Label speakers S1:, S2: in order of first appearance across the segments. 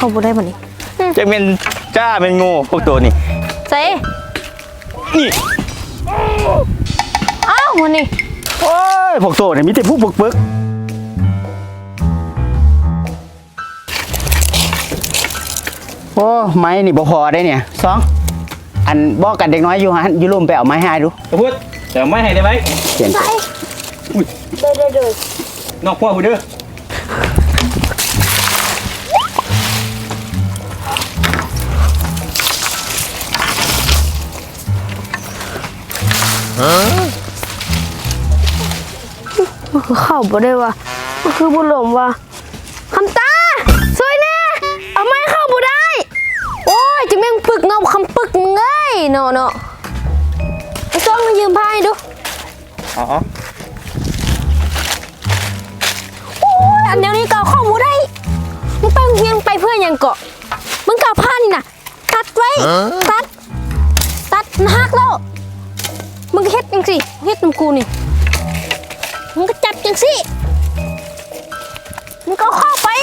S1: เข้าบ่ได้บ่นี่
S2: จะเป็นจ้าเป็นงูพวกตัวนี่
S1: ใส่
S2: นี่
S1: อ้าววันนี้
S2: โอ้ยพวกตัวนี่มีแต่ผู้ปึกโอ้ไม้นี่บ่พอได้เนี่ยสองอันบอกกันเด็กน้อยอยู่ฮะอยู่ร่มไปเอาไม้ให้ดูพูดเดี๋ยวไม้ให้ได้ไหมเขียน
S1: ได้
S2: นอกพ่อพูดเด้อ
S1: มันคือเข้าบ่ได้ว่ะมันคือบุญหลงว่ะคำตาช่วยแน่เอาไม้เข้าบ่ได้โอ้ยจะแม่งปึกเงาคำปึกมึงเอ้ยเนาะไอ้จ้องมายืมผ้าให้ดู
S2: อ๋อ
S1: โอ้ยอันเดียวนี้ก็เข้าบ่ได้มึงไปเฮียงไปเพื่อยังเกาะมึงกับผ้านี่น่ะตัดไว้ตัดหักแล้วมึงเฮ็ดจังสิเฮ็ดน้ำกูนี่มึงก็จับจังสิมึงก็เข้าไป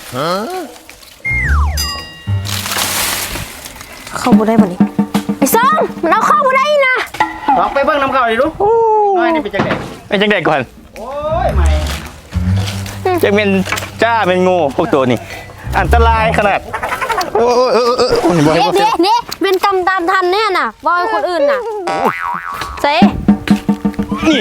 S1: เข้าบ่ได้บ่นี่ไอ้ซองมันเอาเข้าบ่ได้นะ
S2: ลองไปเบิ่งน้ำเข้าดิลูกน้อยนี่เป็นจังไดเป็นจังไดก่อนโอ้ยใหม่จะเป็นจ้าเป็นงูพวกตัวนี่อันตรายขนาดโอ้ย
S1: เนี่ยเป็นกรรมตามทันเนี่ยน่ะว่าให้คนอื่นน่ะเซ่
S2: นี่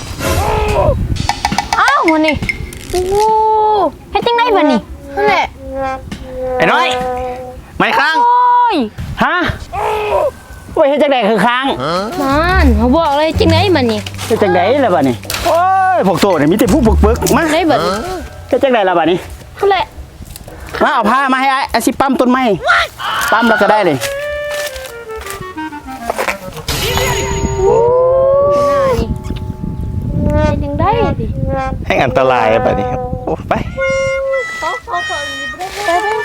S1: อ้าววันนี้โอ้เฮ็ดจังได๋บัดนี้นั่นแหละ
S2: ไอ้น้อยไม่ค้าง
S1: โอ้ย
S2: ฮะโอ้ยเฮ็ดจังได๋คือค้าง
S1: มันเขาบอกเลยจังได๋บัดนี้
S2: เฮ็ดจังได๋ล่ะบัดนี้โอ้ยพวกโตนี่มีแต่ผู้ปึกๆมา
S1: ได้บัดนี้
S2: เฮ็ดจังได๋ล่ะบัดนี้
S1: นั่นแหละ
S2: มาเอาผ้ามาให้อาสิปั๊มต้นไม้ปั๊มแล้วก็ได้เลย
S1: ยังได้ดิ
S2: ให้อันตรายแบบนี้ครับโอ้ไป
S1: เขา